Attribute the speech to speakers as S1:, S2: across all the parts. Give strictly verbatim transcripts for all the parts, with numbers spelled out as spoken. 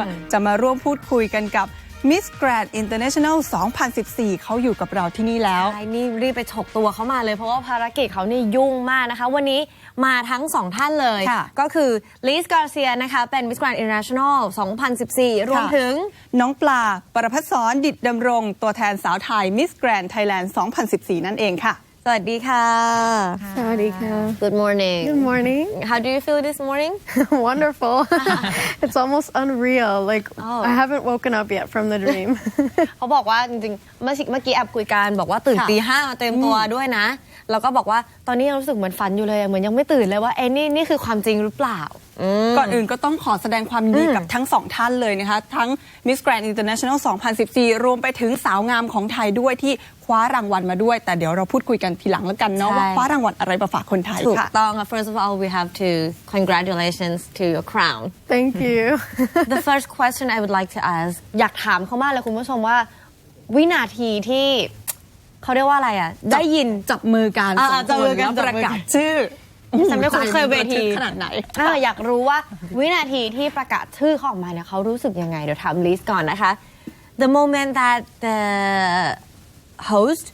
S1: จะมาร่วมพูดคุยกันกับ Miss Grand International สองพันสิบสี่ เขาอยู่กับเราที่นี่แล้ว
S2: ใช่นี่รีบไปฉกตัวเขามาเลยเพราะว่าภารกิจเขานี่ยุ่งมากนะคะวันนี้มาทั้งสองท่านเลยก็คือลิซ การ์เซียนะคะเป็น Miss Grand International สองพันสิบสี่ รวมถึง
S1: น้องปลาประภัสสรดิษฐ์ดำรงตัวแทนสาวไทย Miss Grand Thailand สองพันสิบสี่ นั่นเองค่ะ
S2: สวัสดีค่ะ
S3: สวัสดีค่ะ
S2: Good morning
S3: Good morning
S2: How do you feel this morning
S3: Wonderful It's almost unreal like oh. I haven't woken up yet from the dream
S2: เขาบอกว่าจริงๆเมื่อเมื่อกี้แอบคุยกันบอกว่าตื่นตีห้ามาเตรียมตัวด้วยนะแล้วก็บอกว่าตอนนี้ยังรู้สึกเหมือนฝันอยู่เลยเหมือนยังไม่ตื่นเลยว่าเอ้นี่นี่คือความจริงหรือเปล่า
S1: ก่อนอื่นก็ต้องขอแสดงความยินดีกับทั้งสองท่านเลยนะคะทั้ง Miss Grand International สองพันสิบสี่ รวมไปถึงสาวงามของไทยด้วยที่คว้ารางวัลมาด้วยแต่เดี๋ยวเราพูดคุยกันทีหลังแล้วกันเนาะว่าคว้ารางวัลอะไรมาฝากคนไทยค่ะ
S2: ถูกต้อง First of all we have to congratulations to your crown
S3: Thank you
S2: The first question I would like to ask อยากถามเขามากเลยคุณผู้ชมว่าวินาทีที่เขาเรียกว่าอะไรอ่ะได้ยิน
S1: จับมือกัน
S2: จับมือกัน
S1: ประกาศชื่อ
S2: ฉันไม่คุ้นเคยเวที
S1: ขนาดไหน
S2: อยากรู้ว่าวินาทีที่ประกาศชื่อเขาออกมาเนี่ยเขารู้สึกยังไงเดี๋ยวถามลิซก่อนนะคะ The moment that the host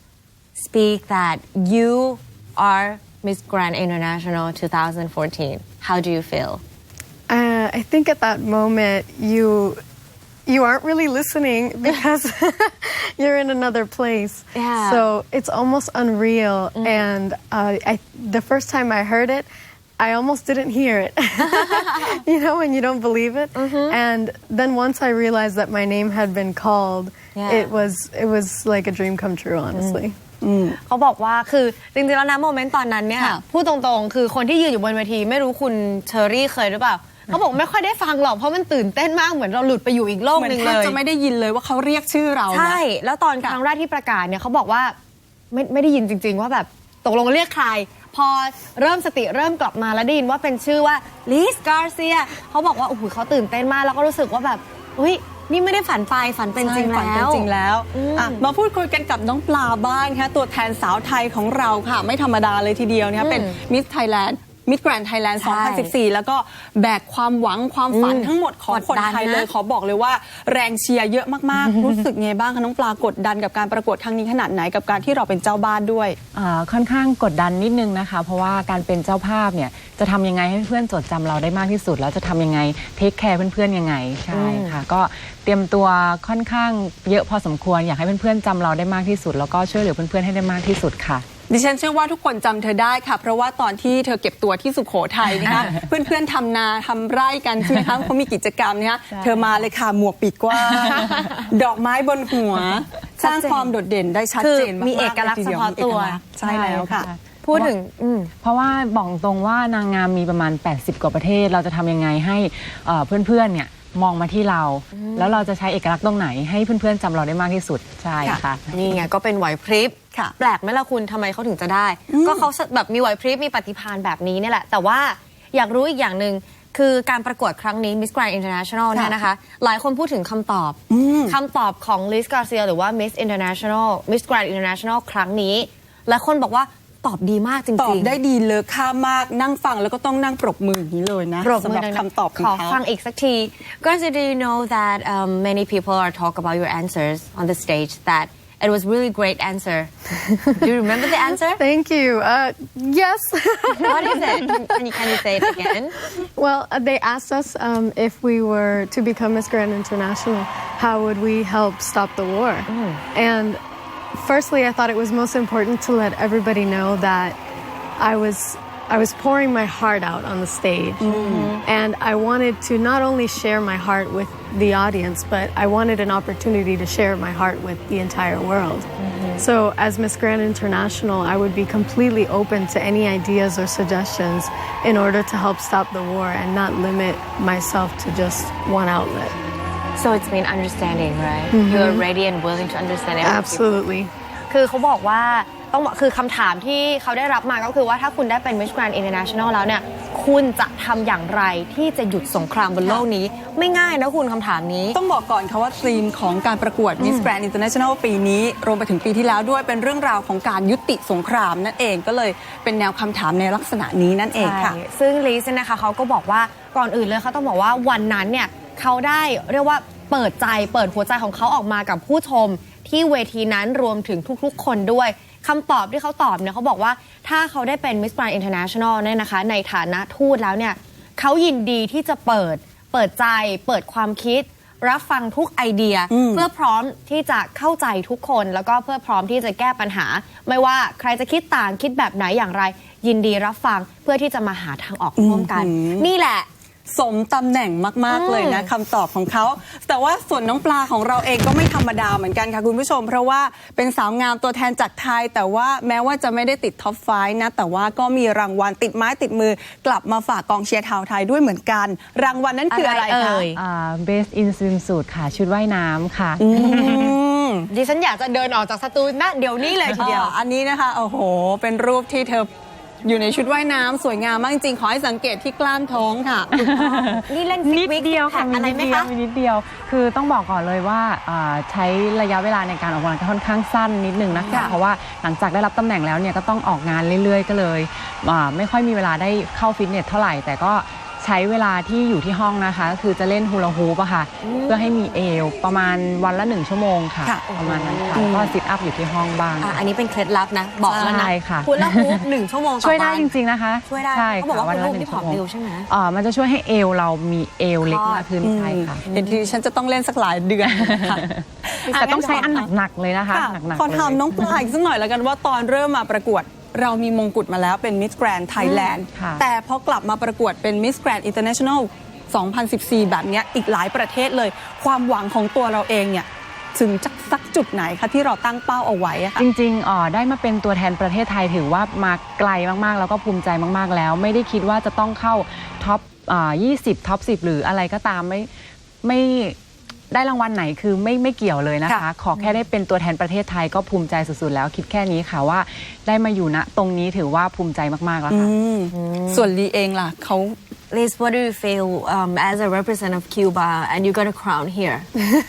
S2: speak that you are Miss Grand International twenty fourteen how do you feel
S3: uh, I think at that moment you you aren't really listening because you're in another place.
S2: Yeah.
S3: So it's almost unreal. Mm. And uh, I, the first time I heard it, I almost didn't hear it. You know, when you don't believe it. Mm-hmm. And then once I realized that my name had been called, yeah. it was it was like a dream come true, honestly.
S2: Mm. เขาบอกว่าคือจริงๆแล้วนะโมเมนต์ตอนนั้นเนี่ยพูดตรงๆคือคนที่ยืนอยู่บนเวทีไม่รู้คุณเชอรี่เคยหรือเปล่าเขาบอกไม่ค่อยได้ฟังหรอกเพราะมันตื่นเต้นมากเหมือนเราหลุดไปอยู่อีกโลกนึงเลย
S1: เหมือนจะไม่ได้ยินเลยว่าเขาเรียกชื่อเรา
S2: ใช่แล้วตอนครั้งแรกที่ประกาศเนี่ยเขาบอกว่าไม่ไม่ได้ยินจริงๆว่าแบบตกลงเรียกใครพอเริ่มสติเริ่มกลับมาแล้วได้ยินว่าเป็นชื่อว่าลิซ การ์เซียเขาบอกว่าโอ้โหเขาตื่นเต้นมากแล้วก็รู้สึกว่าแบบอุ้ยนี่ไม่ได้ฝันไปฝันเป็นจริงแล้วฝันเป็น
S1: จริงแล้วมาพูดคุยกันกับน้องปลาบ้างค่ะตัวแทนสาวไทยของเราค่ะไม่ธรรมดาเลยทีเดียวนะคะเป็นมิสไทยแลนด์มิสแกรนด์ไทยแลนด์สองพันสิบสี่แล้วก็แบกความหวังความฝันทั้งหมดของคนไทยเลยขอบอกเลยว่าแรงเชียร์เยอะมากๆรู้สึกไงบ้างคะน้องปลากดดันกับการประกวดครั้งนี้ขนาดไหนกับการที่เราเป็นเจ้าบ้านด้วย
S4: ค่อนข้างกดดันนิดนึงนะคะเพราะว่าการเป็นเจ้าภาพเนี่ยจะทำยังไงให้เพื่อนจดจำเราได้มากที่สุดแล้วจะทำยังไงเทคแคร์เพื่อนๆยังไงใช่ค่ะก็เตรียมตัวค่อนข้างเยอะพอสมควรอยากให้เพื่อนๆจำเราได้มากที่สุดแล้วก็ช่วยเหลือเพื่อนๆให้ได้มากที่สุดค่ะ
S1: ดิฉันเชื่อว่าทุกคนจำเธอได้ค่ะเพราะว่าตอนที่เธอเก็บตัวที่สุโขทัยนะคะ เพื่อนๆทำนาทำไร่กันใช่ไหมคะเขามีกิจกรรมนะคะเธอมาเลยค่ะหมวกปีกกว้างดอกไม้บนหัวสร้างความโดดเด่นได้ชัดเจนมาก
S2: มีเอกลักษณ์เฉพาะตัว
S1: ใช่แล้วค่ะ
S4: พูดถึงเพราะว่าบอกตรงว่านางงามมีประมาณแปดสิบกว่าประเทศเราจะทำยังไงให้เพื่อนๆเนี่ยมองมาที่เราแล้วเราจะใช้เอกลักษณ์ตรงไหนให้เพื่อนๆจำเราได้มากที่สุดใช่ค่ะ
S2: นี่ไงก็เป็นไหวพริบแปลกไหมล่ะคุณทำไมเขาถึงจะได้ก็เขาแบบมีไหวพริบมีปฏิภาณแบบนี้นี่แหละแต่ว่าอยากรู้อีกอย่างหนึ่งคือการประกวดครั้งนี้ Miss Grand International เนี่ยนะคะหลายคนพูดถึงคำตอบคำตอบของลิซ การ์เซียหรือว่า Miss International Miss Grand International ครั้งนี้หลายคนบอกว่าตอบดีมากจริงๆ
S1: ตอบได้ดีเลยค่ามากนั่งฟังแล้วก็ต้องนั่งปรบมืออย่างนี้เลยนะสำหรับคำตอบของเขา
S2: ขอฟังอีกสักที Garcia do you know that um, many people are talk about your answers on the stage that it was really great answer do you remember the answer
S3: thank you uh, yes
S2: what is it can you, can you say it again
S3: well uh, they asked us um, if we were to become Miss Grand International how would we help stop the war mm. and firstly, I thought it was most important to let everybody know that I was I was pouring my heart out on the stage. Mm-hmm. And I wanted to not only share my heart with the audience, but I wanted an opportunity to share my heart with the entire world. Mm-hmm. So as Miss Grand International, I would be completely open to any ideas or suggestions in order to help stop the war and not limit myself to just one outlet.
S2: So it's been understanding, right? Mm-hmm. You're ready and willing to understand everything.
S3: Absolutely.
S2: คือเขาบอกว่าต้องคือคำถามที่เขาได้รับมาก็คือว่าถ้าคุณได้เป็น Miss Grand International แล้วเนี่ยคุณจะทำอย่างไรที่จะหยุดสงครามบนโลกนี้ไม่ง่ายนะคุณคำถามนี้
S1: ต้องบอกก่อนค่ะว่าธีมของการประกวด Miss Grand International ปีนี้รวมไปถึงปีที่แล้วด้วยเป็นเรื่องราวของการยุติสงครามนั่นเองก็เลยเป็นแนวคำถามในลักษณะนี้นั่นเองค่ะ
S2: ซึ่งลิซนะคะเขาก็บอกว่าก่อนอื่นเลยเขาต้องบอกว่าวันนั้นเนี่ยเขาได้เรียกว่าเปิดใจเปิดหัวใจของเขาออกมากับผู้ชมที่เวทีนั้นรวมถึงทุกๆคนด้วยคำตอบที่เขาตอบเนี่ยเขาบอกว่าถ้าเขาได้เป็น Miss Grand International เนี่ยนะคะในฐานะทูตแล้วเนี่ยเขายินดีที่จะเปิดเปิดใจเปิดความคิดรับฟังทุกไอเดียเพื่อพร้อมที่จะเข้าใจทุกคนแล้วก็เพื่อพร้อมที่จะแก้ปัญหาไม่ว่าใครจะคิดต่างคิดแบบไหนอย่างไรยินดีรับฟังเพื่อที่จะมาหาทางออกร่วมกันนี่แหละ
S1: สมตำแหน่งมากๆเลยนะคำตอบของเขาแต่ว่าส่วนน้องปลาของเราเองก็ไม่ธรรมดาเหมือนกันค่ะคุณผู้ชมเพราะว่าเป็นสาวงามตัวแทนจากไทยแต่ว่าแม้ว่าจะไม่ได้ติดท็อปไฟว์นะแต่ว่าก็มีรางวัลติดไม้ติดมือกลับมาฝากกองเชียร์ชาวไทยด้วยเหมือนกันรางวัลนั้นคืออะไรคะ
S4: อ่า Best in Swimsuit ค่ะชุดว่ายน้ำค่ะ
S2: ดิฉันอยากจะเดินออกจากสตูณะเดี๋ยวนี้เลยทีเดียว
S1: อันนี้นะคะโอ้โหเป็นรูปที่เธออยู่ในชุดว่ายน้ำสวยงามมากจริงๆขอให้สังเกตที่กล้ามท้องค่ะ
S2: นี่เล่น
S4: นิดเดียวค่ะ
S2: อะไรไหมคะ
S4: มีนิดเดียวคือต้องบอกก่อนเลยว่าใช้ระยะเวลาในการออกกำลังกายค่อนข้างสั้นนิดนึงนะคะเพราะว่าหลังจากได้รับตำแหน่งแล้วเนี่ยก็ต้องออกงานเรื่อยๆก็เลยไม่ค่อยมีเวลาได้เข้าฟิตเนสเท่าไหร่แต่ก็ใช้เวลาที่อยู่ที่ห้องนะคะก็คือจะเล่นฮูลาฮูปอะค่ะเพื่อให้มีเอวประมาณวันละหนึ่งชั่วโมงค่ะประมาณนั้นค่ะก็ซิทอัพอยู่ที่ห้องบ้าง
S2: อันนี้เป็นเคล็ดลับนะบอกแล้วนะฮูลาฮูปหนึ่งชั่วโมง
S4: ช่วยได้จริงๆนะคะ
S2: ช่วยได้เขาบอกว่าฮูลาฮูปที่ผอมเร็วใช่ไหม
S4: อ๋อมันจะช่วยให้เอวเรามีเอวเล็กมากขึ้นใช่ค่ะ
S1: เห็นทีฉันจะต้องเล่นสักหลายเดือน
S4: แต่ต้องใช้อันหนักๆเลยนะคะหนักๆ
S1: ขอถามน้องปลาอีกสักหน่อยแล้วกันว่าตอนเริ่มมาประกวดเรามีมงกุฎมาแล้วเป็น Miss Grand Thailand แต่พอกลับมาประกวดเป็น Miss Grand International สองพันสิบสี่ แบบนี้อีกหลายประเทศเลยความหวังของตัวเราเองเนี่ยถึงจะสักจุดไหนคะที่เราตั้งเป้าเอาไว้อะค่ะ
S4: จริงๆอ๋อได้มาเป็นตัวแทนประเทศไทยถือว่ามาไกลมากๆแล้วก็ภูมิใจมากๆแล้วไม่ได้คิดว่าจะต้องเข้าท็อปยี่สิบท็อปสิบหรืออะไรก็ตามไม่ไม่ได้รางวัลไหนคือไม่ไม่เกี่ยวเลยนะคะขอแค่ได้เป็นตัวแทนประเทศไทยก็ภูมิใจสุดๆแล้วคิดแค่นี้ค่ะว่าได้มาอยู่ณตรงนี้ถือว่าภูมิใจมากๆแล้วค่ะ
S1: ส่วนลีเองล่ะเขา
S2: Liz, what do you feel um, as a representative of Cuba and you got a crown here?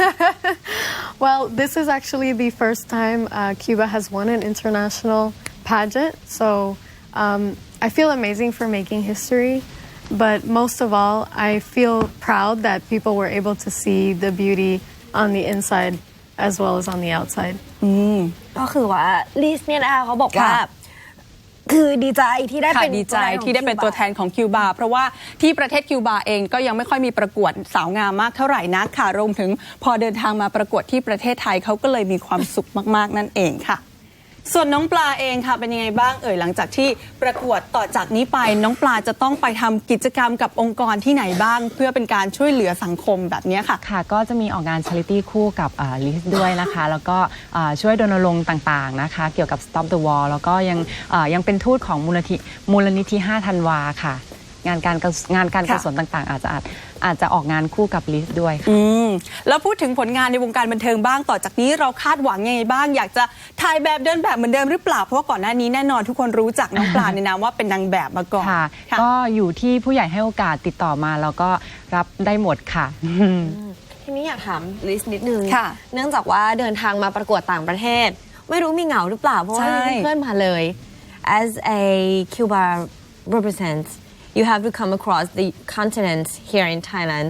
S3: Well, this is actually the first time uh, Cuba has won an international pageant, so um, I feel amazing for making history. But most of all, I feel proud that people were able to see the beauty on the inside as well as on the outside.
S2: ก็คือว่าลิสเนี่ยนะคะเขาบอกว่าคือดีใจที่ได้เป็น
S1: ดีใจที่ได้เป็นตัวแทนของคิวบาเพราะว่าที่ประเทศคิวบาเองก็ยังไม่ค่อยมีประกวดสาวงามมากเท่าไหร่นักค่ะรวมถึงพอเดินทางมาประกวดที่ประเทศไทยเขาก็เลยมีความสุขมากๆนั่นเองค่ะส่วนน้องปลาเองค่ะเป็นยังไงบ้างเอ่ยหลังจากที่ประกวดต่อจากนี้ไปน้องปลาจะต้องไปทำกิจกรรมกับองค์กรที่ไหนบ้างเพื่อเป็นการช่วยเหลือสังคมแบบนี้ค่ะ
S4: ค่ะก็จะมีออกงานชาริตี้คู่กับลิสด้วยนะคะแล้วก็ช่วยรณรงค์ต่างๆนะคะเกี่ยวกับ Stop the War แล้วก็ยังยังเป็นทูตของมูลนิธิมูลนิธิห้าธันวาค่ะงานการงานการกุศลต่างๆอาจจะอาจอาจจะออกงานคู่กับลิสด้วยค่ะ
S1: แล้วพูดถึงผลงานในวงการบันเทิงบ้างต่อจากนี้เราคาดหวังยังไงบ้างอยากจะถ่ายแบบเดินแบบเหมือนเดิมหรือเปล่าเพราะว่าก่อนหน้านี้แน่นอนทุกคนรู้จักน้องปลาในนามว่าเป็นนางแบบมาก่อน
S4: ค่ะก็อยู่ที่ผู้ใหญ่ให้โอกาสติดต่อมาแล้วก็รับได้หมดค่ะ
S2: ทีนี้อยากถามลิสนิดนึงเนื่องจากว่าเดินทางมาประกวดต่างประเทศไม่รู้มีเหงาหรือเปล่าเพราะว่าเพื่อนมาเลย as a Cuba represents you have to come across the continent here in Thailand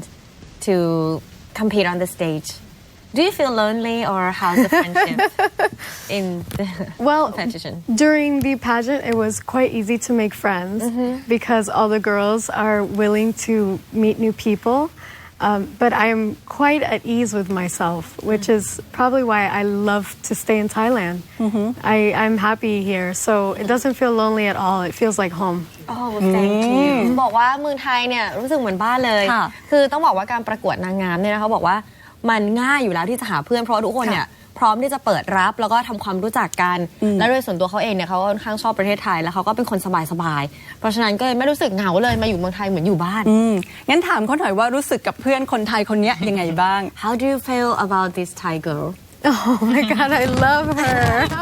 S2: to compete on the stage. Do you feel lonely or how's the friendship in the
S3: well,
S2: competition?
S3: During the pageant, it was quite easy to make friends mm-hmm. because all the girls are willing to meet new people. Um, but I am quite at ease with myself, which is probably why I love to stay in Thailand. Mm-hmm. I, I'm happy here, so it doesn't feel lonely at all. It feels like home.
S2: Oh, thank you. บอกว่าเมืองไทยเนี่ยรู้สึกเหมือนบ้านเลยคือต้องบอกว่าการประกวดนางงามเนี่ยเขาบอกว่ามันง่ายอยู่แล้วที่จะหาเพื่อนเพราะทุกคนเนี่ยพร้อมที่จะเปิดรับแล้วก็ทำความรู้จักกันและโดยส่วนตัวเขาเองเนี่ยเขาค่อนข้างชอบประเทศไทยแล้วเขาก็เป็นคนสบายๆเพราะฉะนั้นก็เลยไม่รู้สึกเหงาเลยมาอยู่เมืองไทยเหมือนอยู่บ้าน
S1: งั้นถามเขาหน่อยว่ารู้สึกกับเพื่อนคนไทยคนนี้ยังไงบ้าง
S2: How do you feel about this Thai girl?
S3: Oh my God, I love her.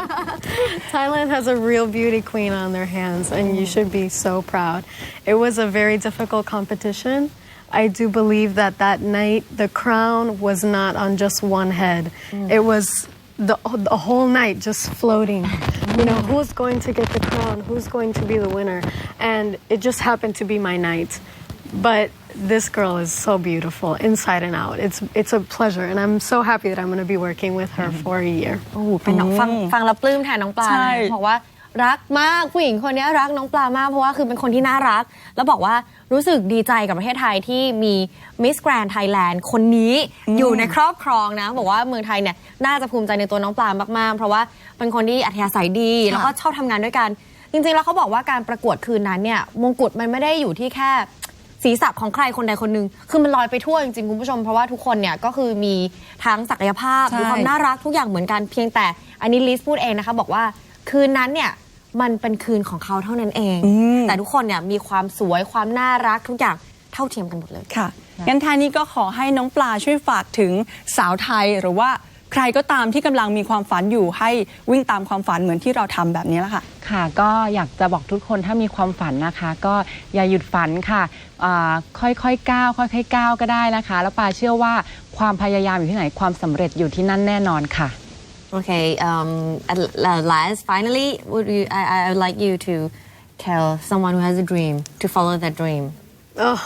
S3: Thailand has a real beauty queen on their hands, and you should be so proud. It was a very difficult competition. I do believe that that night the crown was not on just one head. Mm. It was the, the whole night just floating. You know, who's going to get the crown? Who's going to be the winner? And it just happened to be my night. But this girl is so beautiful inside and out. It's it's a pleasure, and I'm so happy that I'm going to be working with her for a year.
S2: โอ้โหเป็นน้องฟังฟังแล้วปลื้มแทนน้องปลา
S1: ใช่
S2: นะบอกว่ารักมากผู้หญิงคนนี้รักน้องปลามากเพราะว่าคือเป็นคนที่น่ารัก แล้วบอกว่ารู้สึกดีใจกับประเทศไทยที่มี Miss Grand Thailand คนนี้อยู่ในครอบครองนะบอกว่าเมืองไทยเนี่ยน่าจะภูมิใจในตัวน้องปลามากๆเพราะว่าเป็นคนที่อัธยาศัยดีแล้วก็ชอบทำงานด้วยกันจริงๆแล้วเขาบอกว่าการประกวดคืนนั้นเนี่ยมงกุฎมันไม่ได้อยู่ที่แค่ศีรษะของใครคนใดคนหนึ่งคือมันลอยไปทั่วจริงๆคุณผู้ชมเพราะว่าทุกคนเนี่ยก็คือมีทั้งศักยภาพ
S1: ใช่
S2: มีความน่ารักทุกอย่างเหมือนกันเพียงแต่อันนี้ลิสพูดเองนะคะบอกว่าคืนนั้นเนี่ยมันเป็นคืนของเขาเท่านั้นเอง แต่ทุกคนเนี่ยมีความสวยความน่ารักทุกอย่างเท่าเทียมกันหมดเลย
S1: ค่ะงั้นท้ายนี้ก็ขอให้น้องปลาช่วยฝากถึงสาวไทยหรือว่าใครก็ตามที่กำลังมีความฝันอยู่ให้วิ่งตามความฝันเหมือนที่เราทำแบบนี้แหละค่ะ
S4: ค่ะก็อยากจะบอกทุกคนถ้ามีความฝันนะคะ ก็อย่าหยุดฝันค่ะอ่าค่อยๆก้าวค่อยๆก้าวก็ได้นะคะ แล้วปาเชื่อว่าความพยายามอยู่ที่ไหนความสำเร็จอยู่ที่นั่นแน่นอนค่ะ
S2: Okay, um, at last, finally, would you, I, I would like you to tell someone who has a dream to follow that dream.
S3: Oh,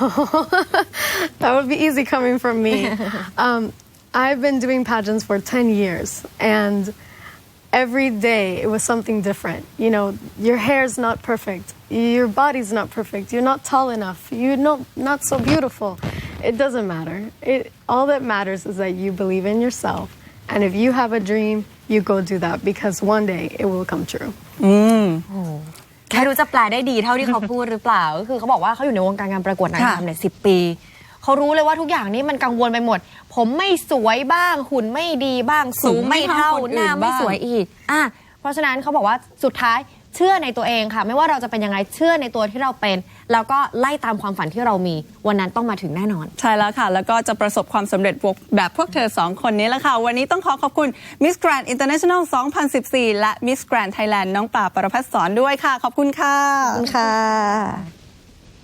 S3: that would be easy coming from me. um, I've been doing pageants for ten years, and every day it was something different. You know, your hair's not perfect, your body's not perfect, you're not tall enough, you're not, not so beautiful. It doesn't matter. It, all that matters is that you believe in yourself. And if you have a dream, you go do that because one day it will come true.
S2: ไม่รู้จะแปลได้ดีเท่าที่เขาพูดหรือเปล่า ก็คือเขาบอกว่าเขาอยู่ในวงการการประกวดนางงามเนี่ยสิบปี เขารู้เลยว่าทุกอย่างนี้มันกังวลไปหมด ผมไม่สวยบ้างหุ่นไม่ดีบ้างสูงไม่เท่าหน้าไม่สวยอีกอ่ะเพราะฉะนั้นเขาบอกว่าสุดท้ายเชื่อในตัวเองค่ะไม่ว่าเราจะเป็นยังไงเชื่อในตัวที่เราเป็น แล้วก็ไล่ตามความฝันที่เรามีวันนั้นต้องมาถึงแน่นอน
S1: ใช่แล้วค่ะ แล้วก็จะประสบความสำเร็จแบบพวกเธอสองคนนี้แหละค่ะ วันนี้ต้องขอขอบคุณ Miss Grand International สองพันสิบสี่ และ Miss Grand Thailand น้องปลา ประภัสสรด้วยค่ะ ขอบคุณค่ะ
S2: ขอบคุณค่ะ